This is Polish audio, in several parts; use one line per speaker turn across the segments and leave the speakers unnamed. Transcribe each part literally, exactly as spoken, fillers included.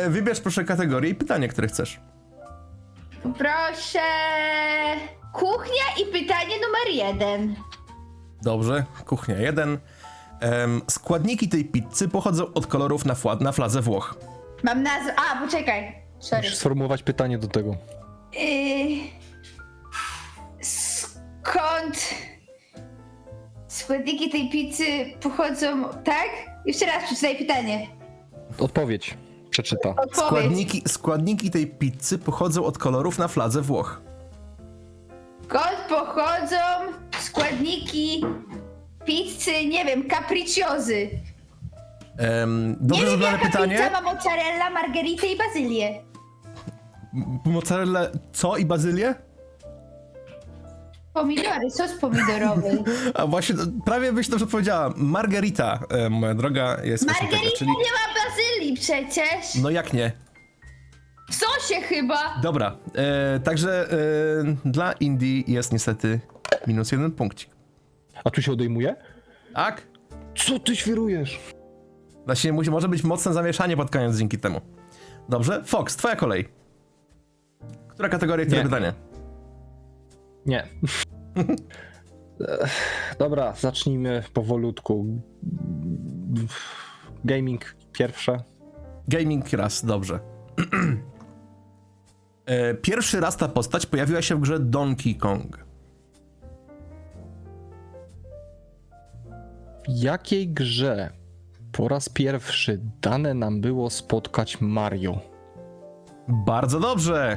E, wybierz proszę kategorię i pytanie, które chcesz.
Proszę. Kuchnia i pytanie numer jeden.
Dobrze, kuchnia jeden. Em, składniki tej pizzy pochodzą od kolorów na, fla- na fladze Włoch.
Mam nazwę. A, poczekaj. Sorry.
Musisz sformułować pytanie do tego.
Yy... Skąd składniki tej pizzy pochodzą, tak? Jeszcze raz przeczytaj pytanie.
Odpowiedź przeczyta.
Odpowiedź.
Składniki, składniki tej pizzy pochodzą od kolorów na fladze Włoch.
Skąd pochodzą składniki pizzy, nie wiem, capricciozy?
Em,
Nie
dobrze
wiem,
zadane
jaka
pytanie.
pizza ma mozzarella, margheritę i bazylię.
Mozzarella co i bazylię?
Pomidory, sos pomidorowy.
A właśnie, to prawie byś dobrze powiedziała. Margarita, e, moja droga, jest właśnie tego,
Margarita
czyli...
nie ma bazylii przecież.
No jak nie?
W sosie chyba.
Dobra, e, także e, dla Indii jest niestety minus jeden punkcik.
A tu się odejmuje?
Tak?
Co ty świrujesz?
Właśnie musi, może być mocne zamieszanie pod koniec dzięki temu. Dobrze, Fox, twoja kolej. Która kategoria, które
Nie.
pytanie?
Nie. Ech, Dobra, zacznijmy powolutku. Gaming pierwsze.
Gaming raz, dobrze. e, pierwszy raz ta postać pojawiła się w grze Donkey Kong.
W jakiej grze po raz pierwszy dane nam było spotkać Mario?
Bardzo dobrze.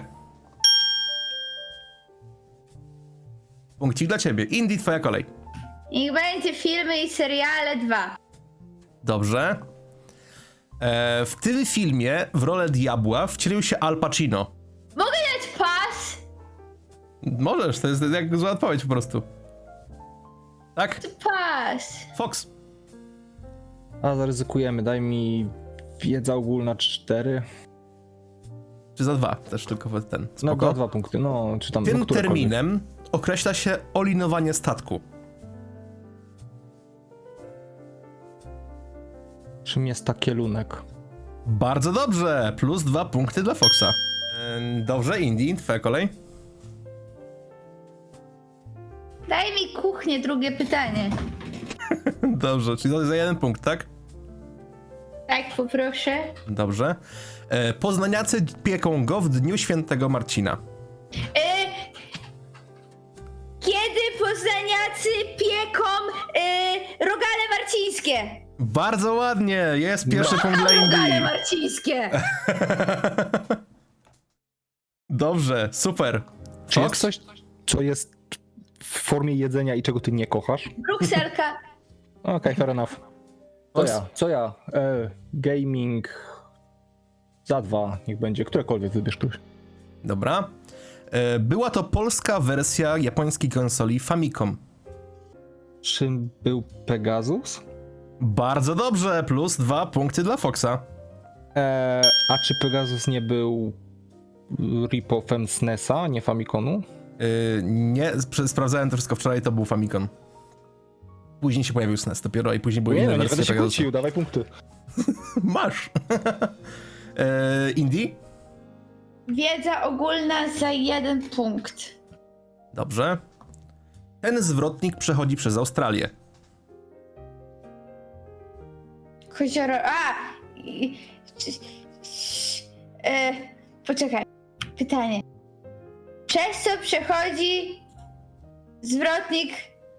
Punkcik dla ciebie. Indie, twoja kolej.
Niech będzie filmy i seriale dwa.
Dobrze. E, w tym filmie w rolę diabła wcielił się Al Pacino.
Mogę dać pas?
Możesz, to jest jak zła odpowiedź po prostu. Tak?
Pas.
Fox.
A zaryzykujemy, daj mi wiedza ogólna cztery.
Czy za dwa? Też tylko ten.
No
Spoko.
dwa, dwa punkty, no czy tam.
Tym
no, którekolwiek.
terminem określa się olinowanie statku.
Czym jest takielunek?
Bardzo dobrze. Plus dwa punkty dla Foxa. E, dobrze, Indie, twoja kolej.
Daj mi kuchnię, drugie pytanie.
Dobrze, czyli za- za jeden punkt, tak?
Tak, poproszę.
Dobrze. E, poznaniacy pieką go w dniu świętego Marcina.
E, kiedy poznaniacy pieką e, rogale marcińskie?
Bardzo ładnie, jest pierwszy punkt dla
Rogale
Indii.
marcińskie.
Dobrze, super.
Czy jest
Fox?
coś, co jest w formie jedzenia i czego ty nie kochasz?
Brukselka.
Okej, okay, fair enough. Co
Fox?
ja? Co ja? E, gaming za dwa, niech będzie. Którekolwiek wybierz ktoś.
Dobra. E, była to polska wersja japońskiej konsoli Famicom.
Czym był Pegasus?
Bardzo dobrze, plus dwa punkty dla Foxa.
E, a czy Pegasus nie był rip-offem S N E S a, nie Famiconu?
E, nie, sp- sprawdzałem to wszystko wczoraj, to był Famicom. Później się pojawił S N E S dopiero i później były
Nie,
inne
no, nie
wersje
będę się
Pegasusa.
kłócił, dawaj punkty.
Masz. e, Indie?
Wiedza ogólna za jeden punkt.
Dobrze. Ten zwrotnik przechodzi przez Australię.
Kozioro... A! i- c- c- E, poczekaj. Pytanie. Przez co przechodzi zwrotnik...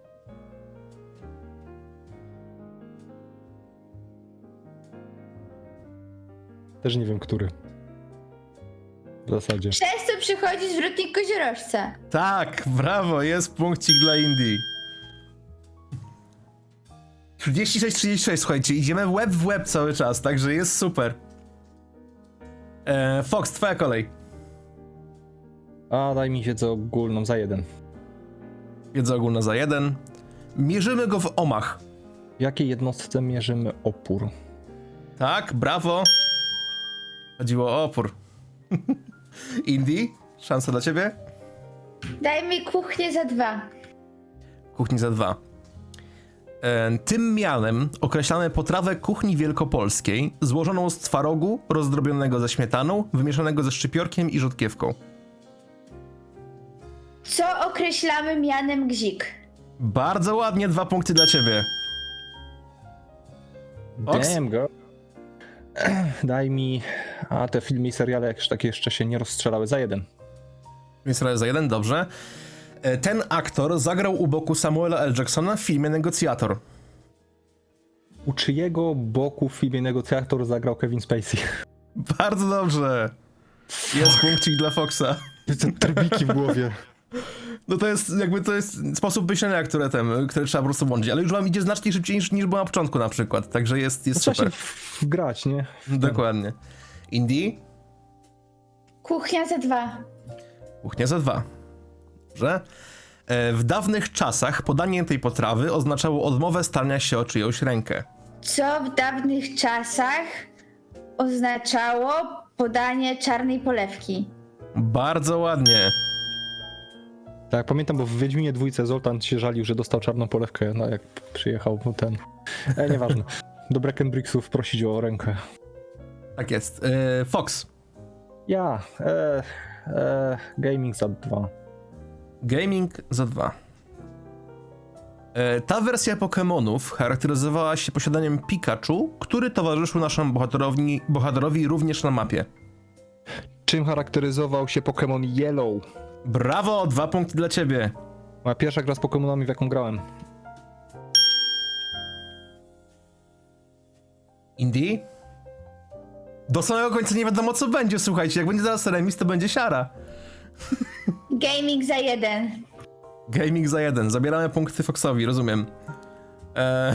Też nie wiem, który. W zasadzie.
Przez co przechodzi zwrotnik koziorożca?
Tak, brawo, jest punkcik dla Indii. trzydzieści sześć trzydzieści sześć, słuchajcie, idziemy łeb w łeb cały czas, także jest super. E, Fox, twoja kolej.
A daj mi wiedzę ogólną za jeden.
Wiedza ogólna za jeden. Mierzymy go w ohmach.
W jakiej jednostce mierzymy opór?
Tak, brawo. Chodziło o opór. Indie, szansa dla ciebie.
Daj mi kuchnię za dwa.
Kuchni za dwa. E, tym mianem określamy potrawę kuchni wielkopolskiej złożoną z twarogu rozdrobionego ze śmietaną, wymieszanego ze szczypiorkiem i rzodkiewką.
Co określamy mianem gzik?
Bardzo ładnie, dwa punkty dla ciebie. Oks?
Damn, go. Daj mi... A te filmy i seriale jakieś takie jeszcze się nie rozstrzelały. Za jeden.
Israel za jeden, dobrze. E, ten aktor zagrał u boku Samuela L. Jacksona w filmie Negocjator.
U czyjego boku w filmie Negocjator zagrał Kevin Spacey?
Bardzo dobrze. Jest punkcik dla Foxa.
Te trybiki w głowie.
No to jest jakby to jest sposób myślenia, które, tem, które trzeba po prostu łączyć, ale już wam idzie znacznie szybciej niż, niż było na początku na przykład, także jest, jest
Trzeba
super.
się wgrać, nie?
Dokładnie. Indie?
Kuchnia za dwa.
Kuchnia za dwa. Dobrze. E, w dawnych czasach podanie tej potrawy oznaczało odmowę stania się o czyjąś rękę.
Co w dawnych czasach oznaczało podanie czarnej polewki?
Bardzo ładnie.
Tak, pamiętam, bo w Wiedźminie dwójce Zoltan się żalił, że dostał czarną polewkę, no jak przyjechał no ten... E, nieważne. Do Breckenbricksów prosić o rękę.
Tak jest. E, Fox.
Ja, e, e, gaming za dwa.
Gaming za dwa. E, ta wersja Pokemonów charakteryzowała się posiadaniem Pikachu, który towarzyszył naszemu bohaterowi, bohaterowi również na mapie.
Czym charakteryzował się Pokémon Yellow?
Brawo, dwa punkty dla ciebie.
Moja pierwsza gra z Pokémonami, w jaką grałem.
Indie? Do samego końca nie wiadomo co będzie, słuchajcie, jak będzie zaraz remis, to będzie siara.
Gaming za jeden.
Gaming za jeden, zabieramy punkty Foxowi, rozumiem. Eee...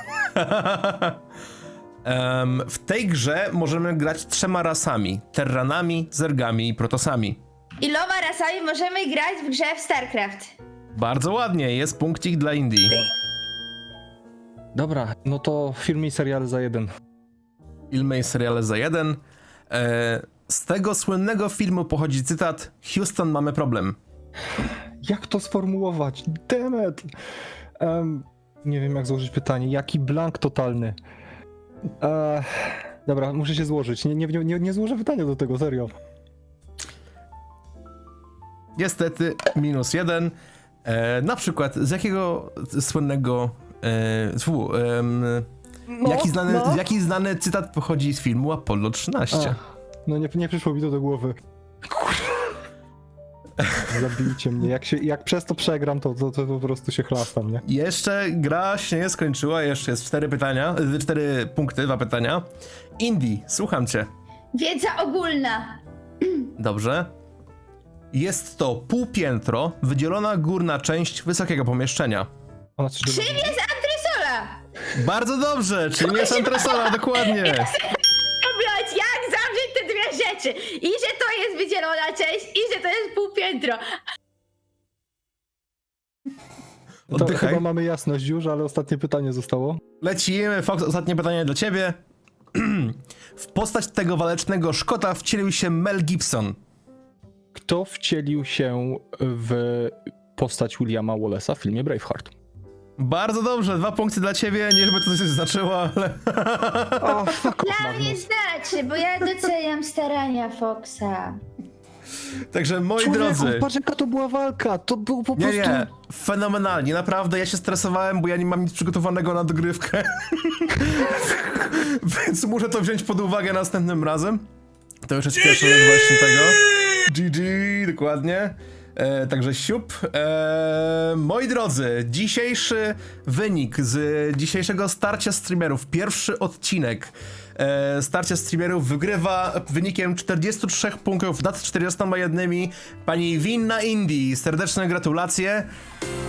em, w tej grze możemy grać trzema rasami. Terranami, zergami i protosami.
Iloma rasami możemy grać w grze w StarCraft?
Bardzo ładnie, jest punkcik dla Indii.
Dobra, no to filmy i seriale za jeden.
Filmy i seriale za jeden. Eee, z tego słynnego filmu pochodzi cytat: Houston, mamy problem.
Jak to sformułować? Demet! Um, nie wiem jak złożyć pytanie. Jaki blank totalny? Eee, dobra, muszę się złożyć. Nie, nie, nie, nie złożę pytania do tego, serio.
Niestety, minus jeden. E, na przykład, z jakiego słynnego... E, fu, em,
No,
jaki, znany,
no.
jaki znany cytat pochodzi z filmu Apollo trzynaście?
Ach, no nie, nie przyszło mi to do głowy. Zabijcie mnie. Jak, się, jak przez to przegram, to, to, to po prostu się chlastam, nie?
Jeszcze gra się nie skończyła, jeszcze jest cztery pytania, y, cztery punkty, dwa pytania. Indie, słucham cię.
Wiedza ogólna.
Dobrze. Jest to półpiętro, wydzielona górna część wysokiego pomieszczenia.
Ona coś
Czym jest antresola?
Bardzo dobrze, czym jest antresola, dokładnie.
Oblać, jak zawrzeć te dwie rzeczy? I że to jest wydzielona część, i że to jest półpiętro.
To
Oddychaj.
chyba mamy jasność już, ale ostatnie pytanie zostało.
Lecimy, Fox, ostatnie pytanie dla ciebie. W postać tego walecznego Szkota wcielił się Mel Gibson.
Kto wcielił się w postać Williama Wallace'a w filmie Braveheart?
Bardzo dobrze, dwa punkty dla ciebie, nie żeby to coś znaczyło, ale...
O, fuck off,
Dla mnie
Magnus.
znaczy, bo ja doceniam starania Foxa.
Także moi
Człowieku,
drodzy...
patrz jaka to była walka, to było po
Nie,
prostu...
nie, fenomenalnie, naprawdę, ja się stresowałem, bo ja nie mam nic przygotowanego na dogrywkę. Więc muszę to wziąć pod uwagę następnym razem. To już jest pierwsza rzecz właśnie tego. G G, dokładnie. E, także siup. E, moi drodzy, dzisiejszy wynik z dzisiejszego starcia streamerów, pierwszy odcinek e, starcia streamerów wygrywa wynikiem czterdziestu trzech punktów nad czterdziestoma jednymi pani Winna Indie. Serdeczne gratulacje.